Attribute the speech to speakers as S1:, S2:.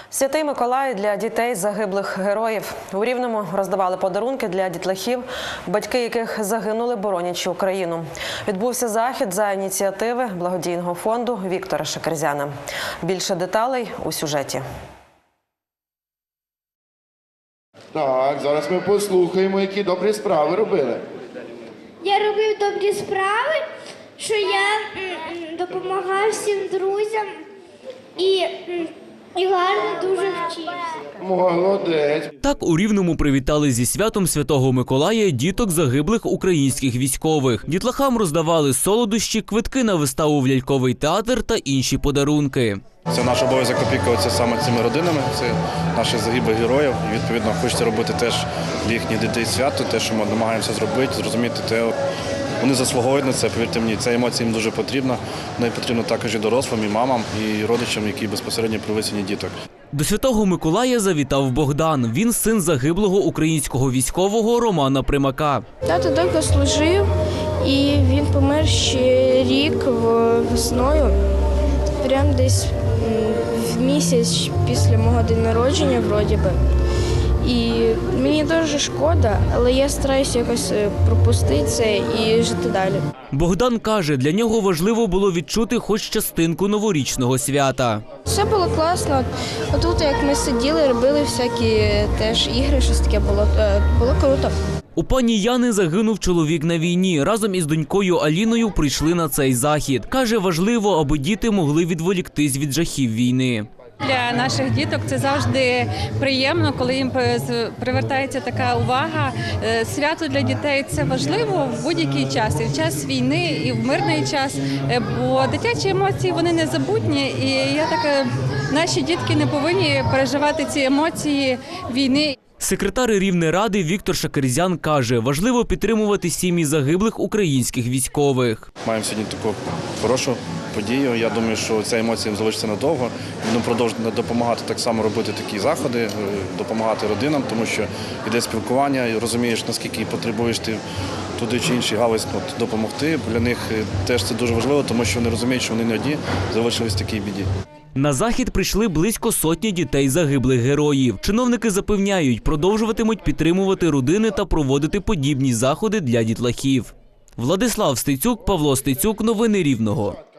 S1: Святий Миколай для дітей загиблих героїв. У Рівному роздавали подарунки для дітлахів, батьки яких загинули, боронячи Україну. Відбувся захід за ініціативи благодійного фонду Віктора Шакерзяна. Більше деталей у сюжеті.
S2: Так, зараз ми послухаємо, які добрі справи робили.
S3: Я робив добрі справи, що я допомагав всім друзям і гарно дуже вчився.
S2: Молодець.
S4: Так у Рівному привітали зі святом Святого Миколая діток загиблих українських військових. Дітлахам роздавали солодощі, квитки на виставу в ляльковий театр та інші подарунки.
S5: Це наш обов'язок опікуватися саме цими родинами, це наших загиблих героїв. І, відповідно, хочеться робити теж для їхніх дітей свято, те, що ми намагаємося зробити, зрозуміти те. Вони заслуговують на це, повірте мені, ця емоція їм дуже потрібна. Вона потрібна також і дорослим, і мамам, і родичам, які безпосередньо при висінні діток.
S4: До Святого Миколая завітав Богдан. Він син загиблого українського військового Романа Примака.
S6: Тато довго служив, і він помер ще рік весною, прямо десь в місяць після мого дня народження, вроді би. І мені дуже шкода, але я стараюся якось пропустити це і жити далі.
S4: Богдан каже, для нього важливо було відчути хоч частинку новорічного свята.
S6: Все було класно. Отут, як ми сиділи, робили всякі теж ігри, щось таке було круто.
S4: У пані Яни загинув чоловік на війні. Разом із донькою Аліною прийшли на цей захід. Каже, важливо, аби діти могли відволіктись від жахів війни.
S7: Для наших діток це завжди приємно, коли їм привертається така увага. Свято для дітей – це важливо в будь-який час, і в час війни, і в мирний час, бо дитячі емоції, вони незабутні, і наші дітки не повинні переживати ці емоції війни.
S4: Секретар Рівнеради Віктор Шакерзян каже, важливо підтримувати сім'ї загиблих українських військових.
S5: Маємо сьогодні таку хорошу подію. Я думаю, що ця емоція їм залишиться надовго. Будемо продовжувати допомагати так само робити такі заходи, допомагати родинам, тому що йде спілкування, і розумієш, наскільки потребуєш ти туди чи іншій галузі допомогти. Для них теж це дуже важливо, тому що вони розуміють, що вони не одні залишились в такій біді.
S4: На захід прийшли близько сотні дітей загиблих героїв. Чиновники запевняють, продовжуватимуть підтримувати родини та проводити подібні заходи для дітлахів. Владислав Стецюк, Павло Стецюк. Новини Рівного.